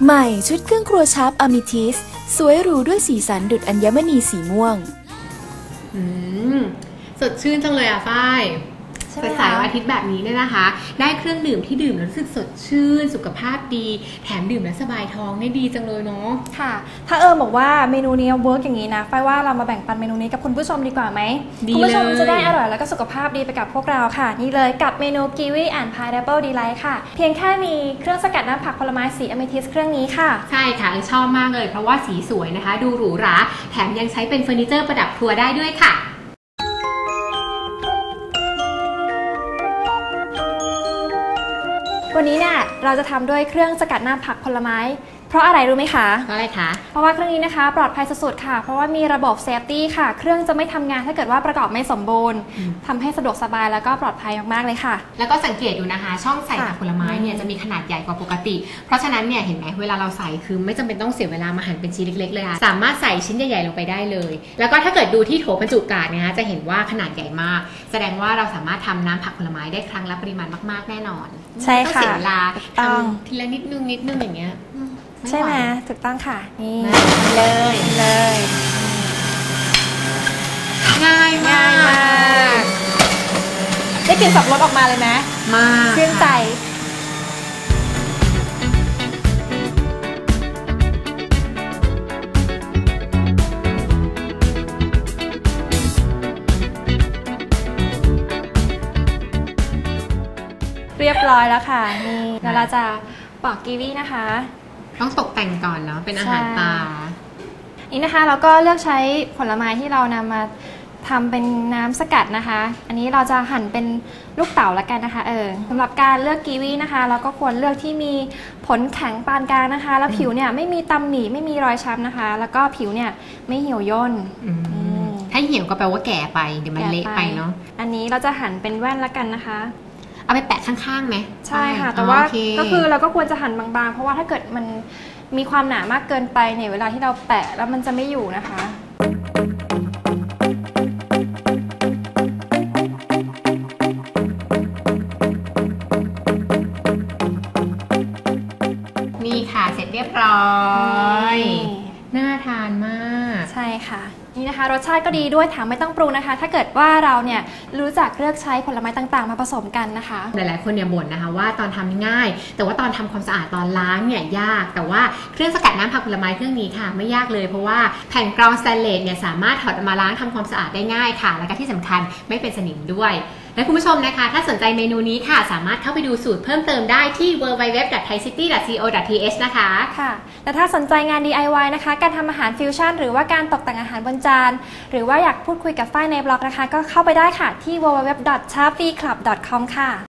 ใหม่ชุดเครื่องครัวชาร์ปอะมิทิสสวยหรูด้วยสีสันดุจอัญมณีสีม่วงสดชื่นจังเลยอ่ะฝ้ายสายวันอาทิตย์แบบนี้เนี่ยนะคะได้เครื่องดื่มที่ดื่มแล้วรู้สึกสดชื่นสุขภาพดีแถมดื่มแล้วสบายท้องได้ดีจังเลยเนาะค่ะถ้าบอกว่าเมนูนี้เวิร์กอย่างนี้นะฝ้ายว่าเรามาแบ่งปันเมนูนี้กับคุณผู้ชมดีกว่าไหมคุณผู้ชมจะได้อร่อยแล้วก็สุขภาพดีไปกับพวกเราค่ะนี่เลยกับเมนูกีวีแอนด์พายแอปเปิลดีไลท์ค่ะเพียงแค่มีเครื่องสกัดน้ำผักผลไม้สีอะเมทิสเครื่องนี้ค่ะใช่ค่ะชอบมากเลยเพราะว่าสีสวยนะคะดูหรูหราแถมยังใช้เป็นเฟอร์นิเจอร์ประดับครัวได้ด้วยค่ะวันนี้เนี่ยเราจะทำด้วยเครื่องสกัดน้ำผักผลไม้เพราะอะไรรู้ไหมคะเพราะอะไรคะเพราะว่าเครื่องนี้นะคะปลอดภัยสุดๆค่ะเพราะว่ามีระบบเซฟตี้ค่ะเครื่องจะไม่ทำงานถ้าเกิดว่าประกอบไม่สมบูรณ์ทำให้สะดวกสบายแล้วก็ปลอดภัยมากๆเลยค่ะแล้วก็สังเกตดูนะคะช่องใส่ผักผลไม้เนี่ยจะมีขนาดใหญ่กว่าปกติเพราะฉะนั้นเนี่ยเห็นไหมเวลาเราใส่คือไม่จำเป็นต้องเสียเวลามาหั่นเป็นชิ้นเล็กๆเลยค่ะสามารถใส่ชิ้นใหญ่ๆลงไปได้เลยแล้วก็ถ้าเกิดดูที่โถบรรจุกาดนะคะจะเห็นว่าขนาดใหญ่มากแสดงว่าเราสามารถทำน้ำผักผลไม้ได้ครั้งละปริมาณมากๆแน่นอนใช่ค่ะเสียเวลาทำทีละนิดนึงอย่างเงี้ยใช่ไหมถูกต้องค่ะนี่เลยง่ายมากได้กลิ่นสับปะรดออกมาเลยไหมมาชื่นใจเรียบร้อยแล้วค่ะนี่แล้วเราจะปอกกีวีนะคะต้องตกแต่งก่อนเนาะเป็นอาหารตานี่นะคะเราก็เลือกใช้ผลไม้ที่เรานำมาทำเป็นน้ำสกัดนะคะอันนี้เราจะหั่นเป็นลูกเต๋าละกันนะคะสำหรับการเลือกกีวีนะคะเราก็ควรเลือกที่มีผลแข็งปานกลางนะคะแล้วผิวเนี่ยไม่มีตำหนิไม่มีรอยช้ำนะคะแล้วก็ผิวเนี่ยไม่เหี่ยวย่นถ้าเหี่ยวก็แปลว่าแก่ไปเดี๋ยวมันเละไปเนาะอันนี้เราจะหั่นเป็นแว่นละกันนะคะเอาไปแปะข้างๆไหมใช่ค่ะแต่ว่าก็คือเราก็ควรจะหั่นบางๆเพราะว่าถ้าเกิดมันมีความหนามากเกินไปเนี่ยเวลาที่เราแปะแล้วมันจะไม่อยู่นะคะนี่ค่ะเสร็จเรียบร้อยน่าทานมากใช่ค่ะนี่นะคะรสชาติก็ดีด้วยแถมไม่ต้องปรุงนะคะถ้าเกิดว่าเราเนี่ยรู้จักเลือกใช้ผลไม้ต่างๆมาผสมกันนะคะหลายๆคนเนี่ยบ่นนะคะว่าตอนทำง่ายแต่ว่าตอนทำความสะอาดตอนล้างเนี่ยยากแต่ว่าเครื่องสกัดน้ำผักผลไม้เครื่องนี้ค่ะไม่ยากเลยเพราะว่าแผ่นกรองสแตนเลสเนี่ยสามารถถอดมาล้างทำความสะอาดได้ง่ายค่ะและก็ที่สำคัญไม่เป็นสนิมด้วยและคุณผู้ชมนะคะถ้าสนใจเมนูนี้ค่ะสามารถเข้าไปดูสูตรเพิ่มเติมได้ที่ www.thaicity.co.th นะคะค่ะและถ้าสนใจงาน DIY นะคะการทำอาหารฟิวชั่นหรือว่าการตกแต่งอาหารบนจานหรือว่าอยากพูดคุยกับฝ้ายในบล็อกนะคะก็เข้าไปได้ค่ะที่ www.chapfclub.com ค่ะ